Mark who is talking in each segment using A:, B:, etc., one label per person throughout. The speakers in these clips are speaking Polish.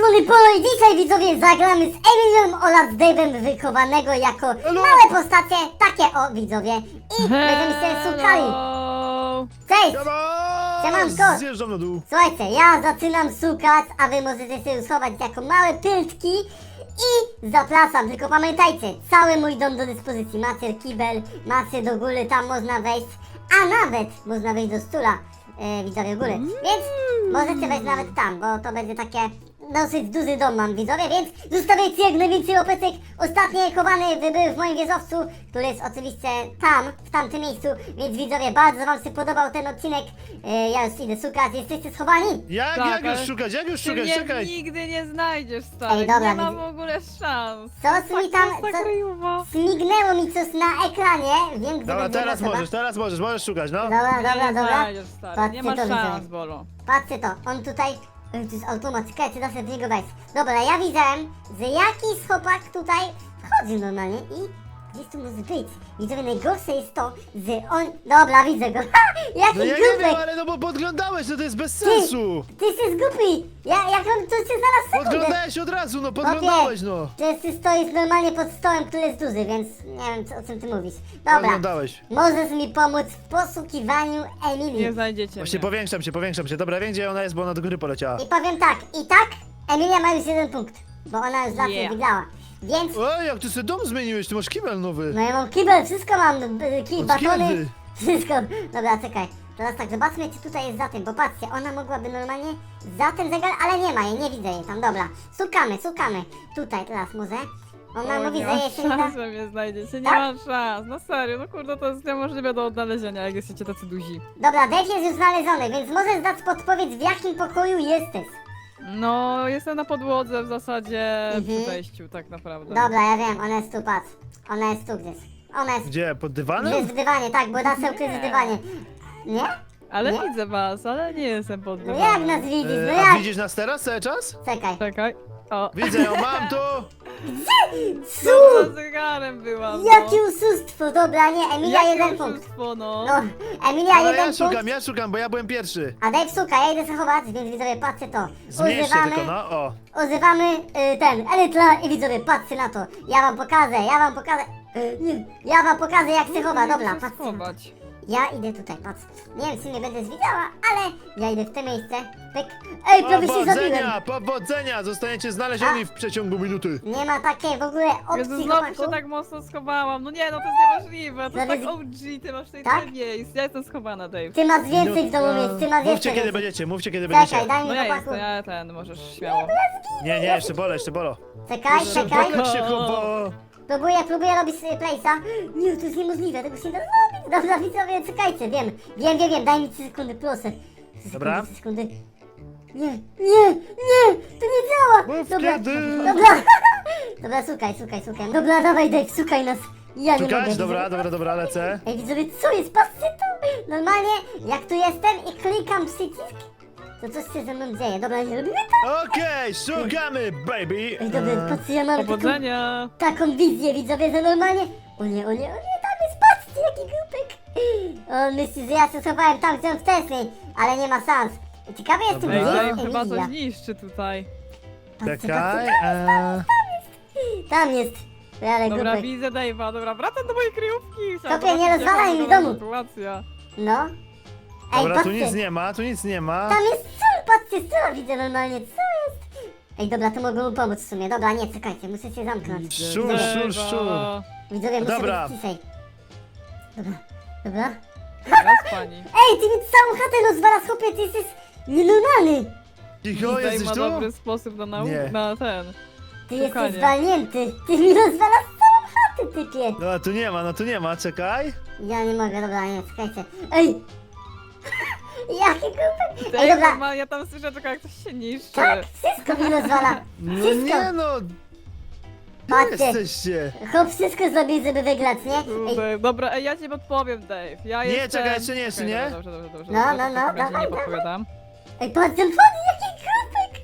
A: Pony Polo i dzisiaj widzowie zagramy z Emilią oraz Dave'em wychowanego jako małe postacie, takie o widzowie i będziemy się szukali. Cześć! Siemanko!
B: Zjeżdżam na dół.
A: Słuchajcie, ja zaczynam szukać, a wy możecie się schować jako małe piltki i zapraszam, tylko pamiętajcie, cały mój dom do dyspozycji, macie kibel, macie do góry, tam można wejść, a nawet można wejść do stula, widzowie góry, więc możecie wejść nawet tam, bo to będzie takie dosyć duży dom mam widzowie, więc zostawiajcie jak najwięcej łopecek. Ostatnie chowany był w moim wieżowcu, który jest oczywiście tam, w tamtym miejscu, więc widzowie, bardzo wam się podobał ten odcinek. Ja już idę szukać, jesteście schowani?
B: Jak już szukać,
C: Ty mnie
B: czekaj.
C: nigdy nie znajdziesz, stary.
A: Ej, dobra,
C: nie ma w
A: widzę.
C: ogóle szans.
A: Co mi tam,
C: Prosta kryjowa.
A: śmignęło mi coś na ekranie, wiem gdzie
B: Dobra,
A: będzie
B: teraz
A: osoba.
B: możesz szukać, no.
A: Dobra,
C: Nie
A: dobra.
C: znajdziesz, stary.
A: Patrzcie
C: Nie ma
A: to, widzowie.
C: szans, Bolo.
A: Patrzcie to, on tutaj... Ej, to jest automat, czekajcie, da się w niego wejść. Dobra, ja widziałem, że jakiś chłopak tutaj wchodził normalnie i gdzieś tu może być. Widzowie, najgorsze jest to, że on... Dobra, widzę go. Jaki
B: No ja nie wiem,
A: głupek!
B: ale no bo podglądałeś, no to jest bez sensu.
A: Ty jesteś głupi! Jak on tu się zaraz sekundę...
B: Podglądałeś od razu, no podglądałeś, no.
A: Przecież ty stoisz normalnie pod stołem, który jest duży, więc nie wiem o czym ty mówisz. Dobra,
B: Podglądałeś.
A: możesz mi pomóc w poszukiwaniu Emilii.
C: Nie znajdziecie
B: Właśnie
C: mnie.
B: powiększam się. Dobra, wiem gdzie ona jest, bo ona do góry poleciała.
A: I powiem tak, Emilia ma już 1 punkt, bo ona już zawsze
C: Yeah.
A: wygrała. Więc,
B: Oj, jak ty sobie dom zmieniłeś, ty masz kibel nowy.
A: no ja mam kibel, wszystko mam, kij,
B: Od
A: batony,
B: kiedy?
A: wszystko. Dobra, czekaj, teraz tak, zobaczmy czy tutaj jest za tym, bo patrzcie, ona mogłaby normalnie za ten zegar, ale nie ma jej, nie widzę jej tam, dobra. Szukamy, tutaj teraz może. Ona
C: O,
A: mówi,
C: nie
A: że
C: ma
A: jej się nie da...
C: szans, że mnie znajdziecie. Nie
A: Tak?
C: ma szans. No serio, no kurde, to jest niemożliwe do odnalezienia, jak jesteście tacy duzi.
A: Dobra, Dave jest już znaleziony, więc możesz dać podpowiedź w jakim pokoju jesteś.
C: No, jestem na podłodze w zasadzie
A: Mhm.
C: przy wejściu, tak naprawdę.
A: Dobra, ja wiem, ona jest tu, patrz. Ona jest tu gdzieś. Ona jest...
B: Gdzie, pod
A: Jest
B: dywanem?
A: w dywanie, tak, bo da się ukryć w dywanie. Nie?
C: Ale
A: Nie?
C: widzę was, ale nie jestem pod
A: No
C: dywanem.
A: jak nas widzisz, no
B: A
A: jak?
B: widzisz nas teraz cały czas?
A: Czekaj.
C: Czekaj. O,
B: Widzę ją, mam tu.
C: za zegarem byłam, no.
A: Jakie oszustwo, dobra, nie, Emilia
C: Jakie
A: 1 punkt.
C: oszustwo, no.
A: No, Emilia
B: Ale
A: 1 punkt,
B: ja szukam, bo ja byłem pierwszy.
A: a Dave szuka, ja idę zachować, więc widzowie, patrzcie to.
B: Zmieść się
A: Używamy,
B: tylko, no, o.
A: używamy ten, Elytra i widzowie, patrzcie na to. Ja wam pokażę, nie, ja wam pokażę jak się chowa, dobra,
C: Muszę
A: patrzcie.
C: schować.
A: Ja idę tutaj, patrz. Nie wiem, czy mnie będę widziała, ale ja idę w to miejsce. Pyk. Ej, prawie się zabiłem.
B: Powodzenia! Zostaniecie znalezieni w przeciągu minuty.
A: Nie ma takiej w ogóle
C: Jezu,
A: opcji,
C: znowu
A: chłopaku.
C: się tak mocno schowałam. No nie, no to jest niemożliwe. To jest tak
A: Zaraz-
C: OG, ty masz tutaj
A: Tak?
C: tyle miejsc. Ja jestem schowana, Dave.
A: Ty masz więcej w domu miejsc, ty masz
B: Mówcie
A: jeszcze
B: kiedy
A: więcej.
B: będziecie, mówcie kiedy
A: Czekaj,
B: będziecie.
A: daj mi
C: No ja
A: chłopaku.
C: jestem, ja ten, możesz śmiało.
B: Nie, jeszcze bolo.
A: Czekaj.
B: Jak się chowa.
A: Próbuję robić place'a. Nie, to jest niemożliwe, tego się nie da zrobić. Dobra, widzowie, czekajcie, wiem, daj mi 3 sekundy, proszę. 3
B: Dobra.
A: sekundy. Nie, to nie działa.
B: Mów
A: Dobra,
B: kiedy.
A: dobra. Dobra, szukaj. Dobra, dawaj Dave, szukaj nas. Ja nie mogę.
B: Szukać?
A: widzowie.
B: Dobra, lecę.
A: Ej, widzowie, co jest? Patrzcie to! Normalnie, jak tu jestem i klikam przycisk, to coś się ze mną dzieje. Dobra, nie robimy to?
B: Okej, szukamy, baby.
A: Ej, dobra, patrzcie, ja mam
C: Powodzenia!
A: taką wizję, widzowie, że normalnie... O nie, tam jest, patrzcie, jaki głupek! On myśli, że ja się schowałem tam, gdzie on wcześniej, ale nie ma szans. I ciekawy jestem,
B: Dobra.
A: gdzie
C: Ej,
A: jest
C: Dave chyba
A: Emilia.
C: coś niszczy tutaj.
A: Patrzcie,
B: Czekaj.
A: tam jest. Ale
C: Dobra,
A: głupek.
C: widzę Dave'a, dobra, wracam do mojej kryjówki. Chciałam
A: Kopie, nie
C: zobaczyć, jaka
A: rozwalaj mi
C: wygląda
A: domu.
C: sytuacja.
A: No. Ej,
B: Dobra, tu
A: patrzcie.
B: nic nie ma.
A: Tam jest sól, patrzcie, sól widzę normalnie, co jest? Ej, dobra, to mogę mu pomóc w sumie. Dobra, nie, czekajcie, muszę się zamknąć.
B: Szczur.
C: Dave'a.
A: Widzowie, muszę
B: Dobra.
A: być ciszej. Dobra.
C: Raz pani.
A: Ej, ty mi całą chatę rozwalasz, chłopie, ty jesteś nienormalny.
B: Cicho,
C: Dave
B: jesteś
C: ma
B: tu?
C: dobry sposób na
B: Nie.
C: na ten.
A: Ty
C: Szukanie.
A: jesteś zwalnięty. Ty mi rozwalasz całą chatę, typie.
B: No tu nie ma, czekaj.
A: Ja nie mogę, dobra, nie, czekajcie. Ej! Jaki głupek. Ej,
C: Dave,
A: dobra.
C: ja tam słyszę tylko jak coś się niszczy.
A: Tak, wszystko mi rozwala.
B: No
A: Wszystko.
B: nie no.
A: Patrzcie.
B: Jesteście.
A: Chłop wszystko zrobił, żeby wygrać, nie? Ej,
C: Kurde, dobra, ej, ja ci podpowiem, Dave. Ja
B: Nie,
C: jestem...
B: czekaj, jeszcze nie.
C: Dobrze.
A: No,
C: W
A: no,
C: takim
A: no,
C: razie
A: dawaj,
C: nie podpowiadam.
A: ej, patrz ten wody, jaki głupek.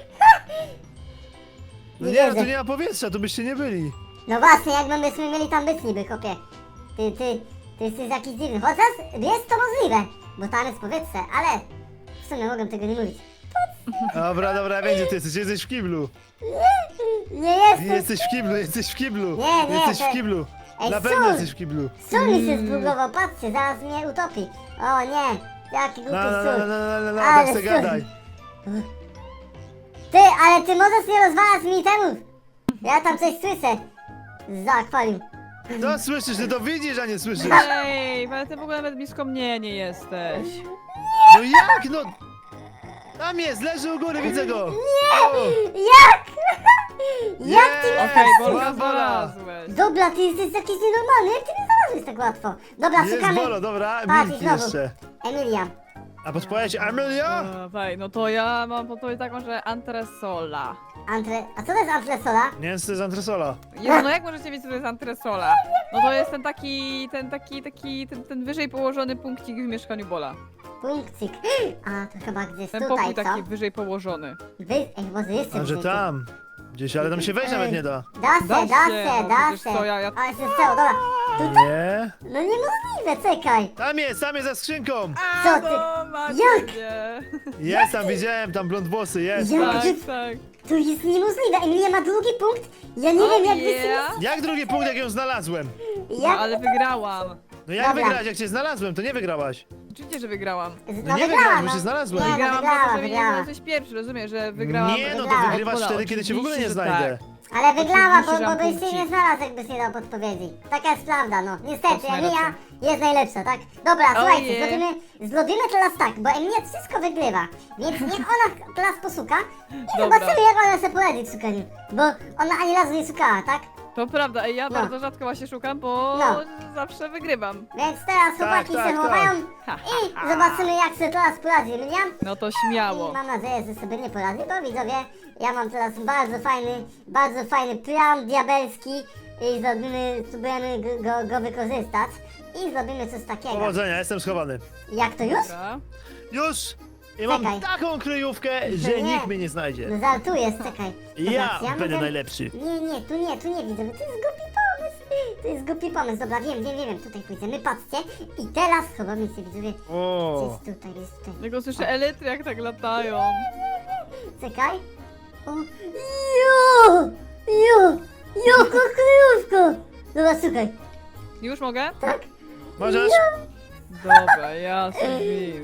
B: No
A: Nie
B: nie, no
A: wierzę.
B: tu nie ma powietrza, tu byście nie byli.
A: No właśnie, jak my byśmy mieli tam być niby, chłopie. Ty jesteś jakiś dziwny. Chociaż jest to możliwe, bo tam jest powietrze, ale w sumie mogę tego nie mówić. Patrz,
B: Dobra, dobra, wiem gdzie ty jesteś w kiblu.
A: Nie jestem.
B: Jesteś w kiblu, jesteś w kiblu.
A: Nie,
B: Jesteś
A: to-
B: w kiblu.
A: Ej,
B: Na pewno
A: sól.
B: jesteś w kiblu.
A: Sól mi się zbugował, patrzcie, zaraz mnie utopi. O nie, jaki głupi sól.
B: No,
A: Ale
B: tak se
A: sól.
B: gadaj.
A: Ty, ale ty możesz nie rozwalać mi temów. Ja tam coś słyszę. Z akwarium.
B: No słyszysz, ty to widzisz, a nie słyszysz.
C: Ej, ale ty w ogóle nawet blisko mnie nie jesteś.
B: No jak, no? Tam jest, leży u góry, widzę go.
A: Jak? Jak ty mnie...
C: Okej, Bolka
B: Słaba.
C: znalazłeś.
A: Dobra, ty jesteś jakiś nienormalny, jak ty mnie znalazłeś tak łatwo. Dobra,
B: Jest
A: szukamy...
B: Bolo, dobra,
A: Patrz,
B: Milki
A: znowu.
B: jeszcze.
A: Emilia.
B: A podpowiedź Amelia?
C: Wej, no to ja mam podpowiedź taką, że antresola.
A: A co to jest antresola?
B: Nie wiem, co to jest antresola.
C: Jezu, no jak możecie wiedzieć, co to jest antresola? No to jest ten wyżej położony punkcik w mieszkaniu Bola.
A: Punkcik. A, to chyba gdzieś
C: Ten
A: tutaj,
C: pokój
A: co?
C: taki wyżej położony.
A: Ej, może jeszcze
B: A że
A: wyżej.
B: tam. Gdzieś, ale tam się wejść nawet nie da.
A: Da się,
C: Da
A: da
C: się,
A: się,
C: no
A: da
C: przecież
A: się.
C: co, ja-
A: Ale się stało, dobra.
B: Nie.
A: No niemożliwe, czekaj.
B: Tam jest za skrzynką.
A: Co ty?
C: No, macie
A: Jak?
C: mnie.
B: Jest tam, widziałem, tam blond włosy, jest.
A: Jak?
B: patrz.
C: Tak, tak.
A: To jest niemożliwe. Emilia ma drugi punkt. Ja nie wiem, jak wy
C: yeah.
B: Jak drugi punkt, jak ją znalazłem?
C: No
A: Jak...
C: ale wygrałam.
B: No jak
A: Dobra.
B: wygrać, jak cię znalazłem, to nie wygrałaś.
C: Oczywiście, że wygrałam.
B: No nie wygrałam, bo się znalazłem.
A: Nie, no
C: Wygrałam
A: wygrała,
C: dlatego, że nie
A: wygrała.
C: jesteś pierwszy, rozumiesz, że wygrałam.
B: Nie, no to
A: wygrała.
B: wygrywasz
C: Bola,
B: wtedy, kiedy cię w ogóle nie
C: oczywiście, że
B: znajdę.
C: tak.
A: Ale wygrała,
C: Oczywiście, że
A: bo
C: mam
A: byś się
C: punkcik.
A: nie znalazł, jakbyś nie dał podpowiedzi. Taka jest prawda, no. Niestety,
C: To jest
A: Emilia
C: najlepsze.
A: jest najlepsza, tak? Dobra, słuchajcie,
C: yeah.
A: zrobimy teraz tak, bo Emilia wszystko wygrywa. Więc niech ona teraz poszuka i
C: Dobra.
A: zobaczymy, jak ona sobie poradzi w szukaniu. Bo ona ani razu nie szukała, tak?
C: To prawda, ej, ja
A: No.
C: bardzo rzadko właśnie szukam, bo
A: No.
C: zawsze wygrywam.
A: Więc teraz chłopaki
B: tak,
A: się
B: tak.
A: chowają i zobaczymy, jak sobie teraz poradzi Emilia.
C: No to
A: I
C: śmiało.
A: mam nadzieję, że sobie nie poradzi, bo widzowie, ja mam teraz bardzo fajny plan diabelski i spróbujemy go wykorzystać i zrobimy coś takiego.
B: Powodzenia, jestem schowany.
A: Jak to już?
C: Dobra.
B: Już! I mam
A: Czekaj.
B: taką kryjówkę, że
A: Nie.
B: nikt mnie nie znajdzie.
A: No żartujesz, czekaj.
B: Ja
A: Zobacz,
B: będę
A: mogę-
B: najlepszy.
A: Nie, tu nie widzę, to jest głupi pomysł. To jest głupi pomysł, dobra, wiem, tutaj pójdziemy, patrzcie. I teraz chowamy się, widzowie,
B: O.
A: gdzieś tutaj.
C: Tylko słyszę elitry, jak tak latają.
A: Czekaj. O, jaka kryjówka. Dobra, słuchaj,
C: Już mogę?
A: tak?
B: Możesz?
C: Dobra, jasny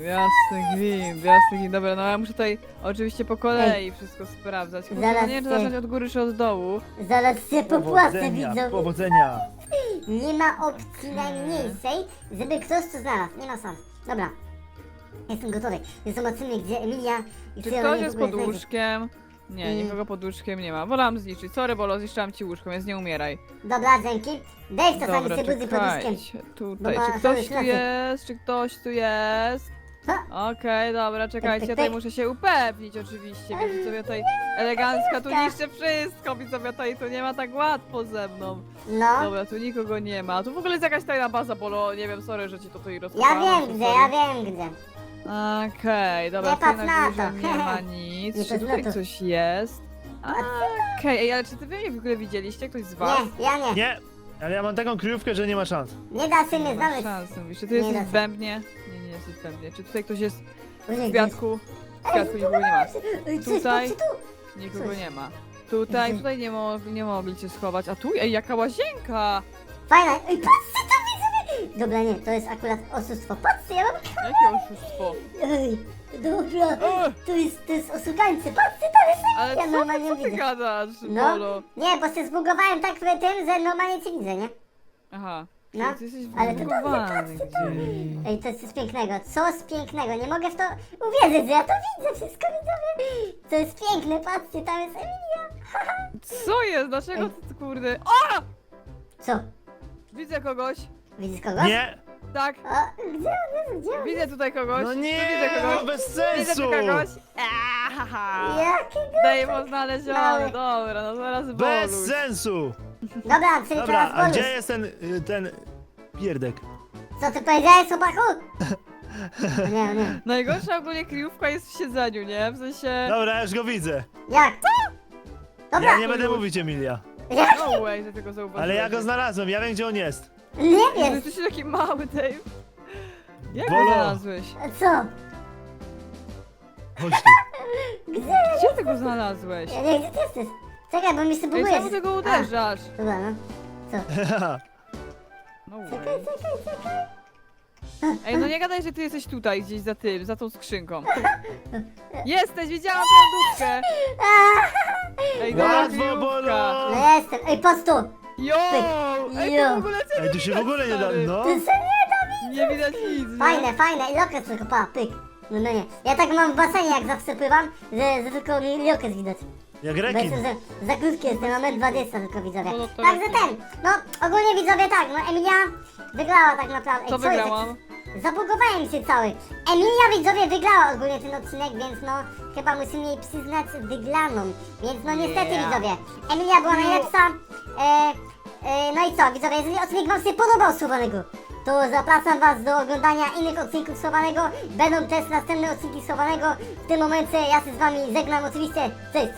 C: gwint. Dobra, no ja muszę tutaj oczywiście po kolei wszystko sprawdzać. Kurczę,
A: Zaraz
C: no nie wiem, czy
A: ty.
C: zacząć od góry czy od dołu.
A: Zaraz się popłacę,
B: Powodzenia,
A: widzowie.
B: powodzenia.
A: Nie ma opcji najmniejszej, żeby ktoś to znalazł. Nie ma szans. Dobra. Jestem gotowy. Zobaczymy, gdzie Emilia i
C: Czy
A: czy ona
C: ktoś
A: mnie
C: jest
A: w ogóle
C: pod
A: znajdzie.
C: łóżkiem? Nie, nikogo pod łóżkiem nie ma. Wolałam zniszczyć. Sorry, Bolo, zniszczyłam ci łóżko, więc nie umieraj.
A: Dobra, dzięki. Dave czasami
C: Dobra,
A: się budzi pod łóżkiem.
C: czekajcie. Tutaj,
A: Bo ma
C: czy ktoś
A: cały
C: tu jest? Czy ktoś tu jest?
A: Co?
C: Okej, dobra, czekajcie, ja tutaj muszę się upewnić oczywiście, więc sobie tutaj elegancka tu niszczę wszystko, widzowie, tutaj to nie ma tak łatwo ze mną.
A: No.
C: Dobra, tu nikogo nie ma, tu w ogóle jest jakaś tajna baza, Bolo, nie wiem, sorry, że ci to tutaj
A: Ja
C: rozkopałam.
A: wiem gdzie, ja wiem gdzie.
C: Okej, dobra,
A: Nie
C: tutaj
A: patrz
C: na
A: na
C: górze
A: to.
C: nie ma nic,
A: Nie
C: czy
A: patrz na
C: tutaj
A: to.
C: coś jest? Okej, ej, ale czy ty wy mnie w ogóle widzieliście, ktoś z was?
A: Nie, ja nie.
B: Nie, ale ja mam taką kryjówkę, że nie ma szans.
A: Nie da się mnie
C: Nie ma
A: znaleźć.
C: szans, mówisz, czy ty
A: Nie
C: jesteś
A: da
C: w
A: się.
C: bębnie? Nie, nie jesteś w bębnie, czy tutaj ktoś jest
A: Ojej,
C: w kwiatku? W kwiatku nikogo nie ma.
A: Ej, coś,
C: Tutaj?
A: patrzcie tu.
C: Nikogo
A: Coś.
C: nie ma. Tutaj, tutaj nie mogli cię schować. A tu, ej, jaka łazienka!
A: Fajna. Ej, patrzcie to widzowie. Dobra, nie, to jest akurat oszustwo. Patrzcie, ja mam...
C: Jakie oszustwo!
A: Ej, dobra.
C: Ech,
A: To jest oszukańcy. Patrzcie, to jest...
C: ale
A: Ja
C: co,
A: normalnie
C: co ty
A: widzę.
C: gadasz,
A: No,
C: Bolo?
A: nie, bo się zbugowałem tak w tym, że normalnie cię widzę, nie?
C: Aha,
A: No,
C: ty jesteś
A: ale to dobrze,
C: wybudowany
A: patrzcie to.
C: gdzieś.
A: Ej, to jest coś pięknego, coś pięknego, nie mogę w to uwierzyć, że ja to widzę wszystko, widzowie. To jest piękne, patrzcie, tam jest Emilia.
C: Co jest? Dlaczego
A: Ej.
C: ty, kurde? O!
A: Co?
C: Widzę kogoś.
A: Widzisz kogoś?
B: Nie,
C: Tak,
A: O, gdzie on jest, gdzie on jest?
C: widzę tutaj kogoś.
B: no
C: Tu
B: nie,
C: widzę
B: no
C: kogoś.
B: bez
C: Widzę
B: sensu.
C: tu kogoś. Ahaha.
A: Jakiego?
C: Dejmo znaleziony,
A: Mały.
C: dobra, no zaraz
B: Bez
C: Boluś.
B: sensu.
A: Dobra, czyli
B: Dobra,
A: teraz
B: a
A: bonus.
B: gdzie jest ten pierdek?
A: Co ty powiedziałeś, chłopaku? O nie, o nie.
C: Najgorsza ogólnie kryjówka jest w siedzeniu, nie? W sensie...
B: Dobra, ja już go widzę.
A: Jak? Dobra,
B: Ja nie będę mówić, Emilia.
A: jak?
C: No way, że tego zauważyłeś.
B: Ale ja go znalazłem, ja wiem gdzie on jest.
A: Nie
C: Jezu,
A: wiem.
C: jesteś taki mały, Dave. Jak go
B: Bolo.
C: znalazłeś?
A: Co?
B: Chodź tu.
A: Gdzie?
C: Gdzie ty go znalazłeś?
A: Ja nie wiem, gdzie ty jesteś. Czekaj, bo mi się
C: Ej,
A: buguje.
C: czemu ty go uderzasz?
A: Dobra, no.
C: No
A: Czekaj,
C: way.
A: czekaj.
C: Ej, no nie gadaj, że ty jesteś tutaj, gdzieś za tym, za tą skrzynką. Jesteś, widziałam tę lodówkę! Ej, dobra,
B: Łatwo,
C: kryjówka.
B: Bolo!
A: No jestem. Ej, patrz tu.
C: Jo! Ej,
A: Jo.
C: tu w ogóle cię
B: Ej, tu się w ogóle nie da,
C: stary.
B: no.
A: Ty se nie da.
C: Nie widać nic, nie?
A: Fajne. I lokes tylko, pa, pyk. No nie. Ja tak mam w basenie, jak zawsze pływam, że tylko mi lokes widać.
B: Jak
A: Bo
B: rekin.
A: jestem za krótki jestem, mam 1,20 tylko widzowie.
C: No to
A: Także
C: lepiej.
A: ten, no ogólnie widzowie tak, no Emilia wygrała tak naprawdę.
C: Co
A: jest?
C: wygrałam?
A: Zabugowałem się cały. Emilia widzowie wygrała ogólnie ten odcinek, więc no chyba musimy jej przyznać wygraną. Więc no niestety
C: Yeah.
A: widzowie, Emilia była najlepsza. No i co widzowie, jeżeli odcinek wam się podobał Słowanego, to zapraszam was do oglądania innych odcinków Słowanego. Będą też następne odcinki Słowanego. W tym momencie ja się z wami żegnam oczywiście. Cześć!